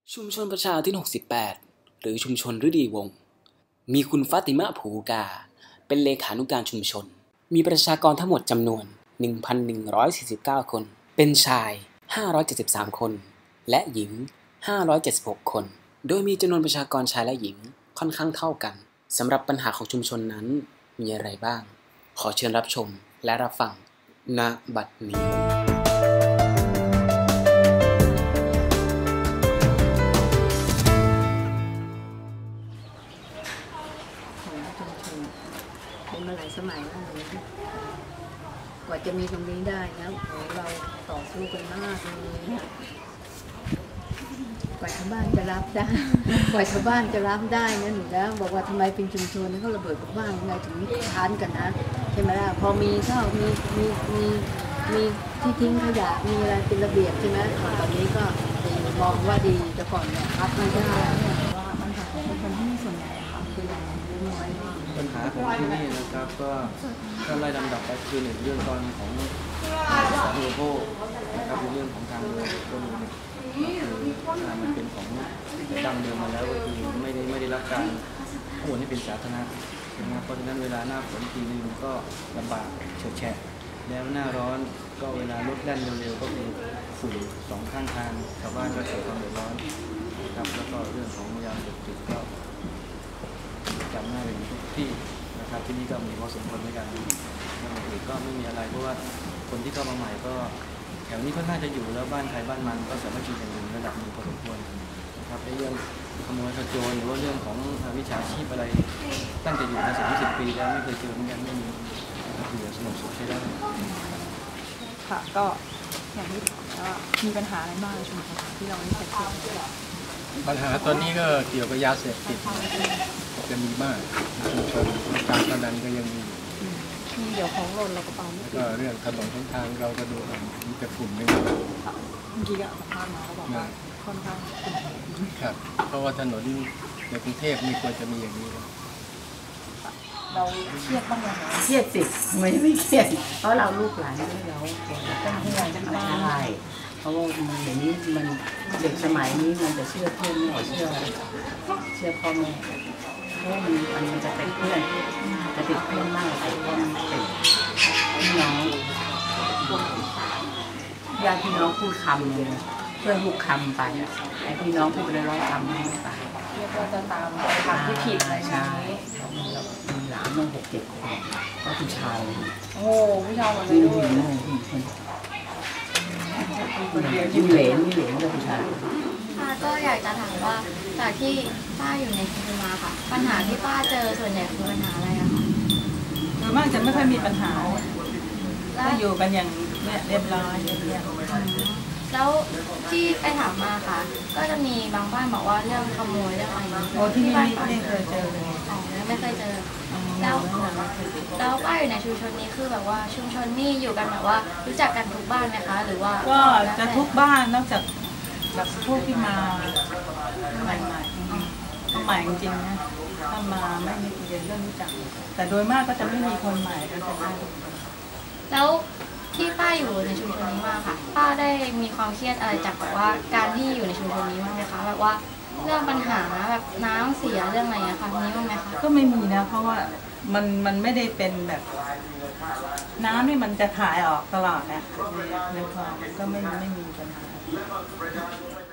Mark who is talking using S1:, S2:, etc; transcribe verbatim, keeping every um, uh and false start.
S1: ชุมชนประชาที่หกสิบแปดหรือชุมชนฤดีวงศ์มีคุณฟาติมะผูกาเป็นเลขานุการชุมชนมีประชากรทั้งหมดจำนวน หนึ่งพันหนึ่งร้อยสี่สิบเก้า คนเป็นชายห้าร้อยเจ็ดสิบสามคนและหญิงห้าร้อยเจ็ดสิบหกคนโดยมีจำนวนประชากรชายและหญิงค่อนข้างเท่ากันสำหรับปัญหาของชุมชนนั้นมีอะไรบ้างขอเชิญรับชมและรับฟังณบัดนี้
S2: เป็นมาหลายสมัยแล้วเลยกว่าจะมีตรงนี้ได้นะโอ้เราต่อสู้กันมากเลยกว่าชาวบ้านจะรับได้กว่าชาวบ้านจะรับได้นะหนูนะบอกว่าทำไมเป็นชุมชนเขาระเบิดบ้านยังไงถึงค้านกันนะใช่ไหมล่ะพอมีเท่ามีมีมีมีที่ทิ้งขยะมีอะไรเป็นระเบียบใช่ไหมตอนนี้ก็มองว่าดีแต่ก่อนเนี่ยรับไม่ได้ว่าปัญหาของคนที่ส่วนใหญ่คือน้อย
S3: ปัญหาของที่นี่นะครับก็ถ้าไล่ลำดับไปคือหนึ่งเรื่องตอนของสาธารณูปโภคนะครับเรื่องของทางเดินก็มีคือมันเป็นของดั้งเดิมมาแล้วก็คือไม่ได้ไม่ได้รับการโอนให้เป็นสาธารณะนะครับเพราะฉะนั้นเวลาหน้าฝนทีนึงก็ลำบากเฉอะแฉะแล้วหน้าร้อนก็เวลารถแล่นเร็วๆก็คือฝุ่นสองข้างทางชาวบ้านก็เกิดความเดือดร้อนนะครับแล้วก็เรื่องของยาเสพติดก็จำหน้าเป็นทุกที่นะครับที่นี่ก็มีพอสมควรในการอย่างอื่นก็ไม่มีอะไรเพราะว่าคนที่เข้ามาใหม่ก็แถวนี้ก็น่าจะอยู่แล้วบ้านใครบ้านมันก็สามารถอยู่กันอยู่ระดับหนึ่งพอสมควรนะครับในเรื่องขโมยขโจรหรือว่าเรื่องของวิชาชีพอะไรตั้งแต่อยู่มาสามสิบปีแล้วไม่เคยเจอเหมือนกันไม่มีอยู่สงบสุขใช้ได้
S4: ค่ะก็อย่างที่ถามว่ามีปัญหาอะไรบ้างในชุมชนที่เราไม่เคยเจอ
S5: ปัญหาตอนนี้ก็เกี่ยวกับยาเสพติดจะมีมากชุมชนการพนันก็ยังมี
S4: มีเดี๋ยวของหล่นเราก็ไป
S5: แล้วก็เรื่องถนนทางเราก็ดูมีแต่ฝุ่นไม่มี
S4: เมื่อกี้ก็สัมภาษณ์มาเขาบอกว่าค่อนข้าง
S5: ครับเพราะว่าถนนในกรุงเทพไม่ควรจะมีอย่างนี้
S4: เราเครียดบ้างไหม
S2: เครียดสิไม่ไม่เครียดเพราะเราลูกหลานเราต้องให้เราใช่เพราะว่าอย่างนี้มันเด็กสมัยนี้มันจะเชื่อเพื่อนไม่เชื่อเชื่อพ่อแม่เพราะมันมันจะติดเพื่อนจะติดเพื่อนมากติดพ่อติดพี่น้องญาติพี่น้องพูดคำเลยเพื่อนพูดคำไปไอ้พี่น้องพูดไปร้อยคำไม่ตาย
S4: เรียกว่าจะตามทางที่ผิดอะไรใช่
S2: มีหลานตั้งหกเจ็ดคนแล้วผู้ชาย
S4: โอ้ผู้ชายหมดเลยด้วย
S2: มีเหลนมีเหลนกับผู้ชาย
S6: ป้าก็อยากจะถามว่าจากที่ป้าอยู่ในชุมชนมาค่ะปัญหาที่ป้าเจอส่วนใหญ่คือปัญหาอะไรอะคะ
S4: โดยมากจะไม่ค่อยมีปัญหาก็อยู่กันอย่างเรียบร้อยอย่างเงี้ย
S6: แล้วที่ไปถามมาค่ะก็จะมีบางบ้านบอกว่าเรื่องขโมยเรื่องอะไร
S4: โอ้ที่นี่ไม่เคยเจอเลย
S6: อ๋อไม่เคยเจอแล้วแล้วป้าอยู่ในชุมชนนี้คือแบบว่าชุมชนนี่อยู่กันแบบว่ารู้จักกันทุกบ้านไหมคะหรือว่า
S4: ก็จะทุกบ้านนอกจากแบบพวกที่มาใหม่ๆก็ใหม่จริงๆนะถ้ามาไม่มีเรียนเรื่องรู้จักแต่โดยมากก็จะไม่มีคนใหม่กันแต่ได้
S6: แล้วที่ป้าอยู่ในชุมชนนี้มาค่ะป้าได้มีความเครียดอะไรจากแบบว่าการที่อยู่ในชุมชนนี้บ้างไหมคะแบบว่าเรื่องปัญหาแบบน้ำเสียเรื่องอะไรอะค่ะมีบ้างไหมคะ
S4: ก็ไม่มีนะเพราะว่ามันมันไม่ได้เป็นแบบน้ำนี่มันจะถ่ายออกตลอดนะในคลองก็ไม่ไม่มีปัญหา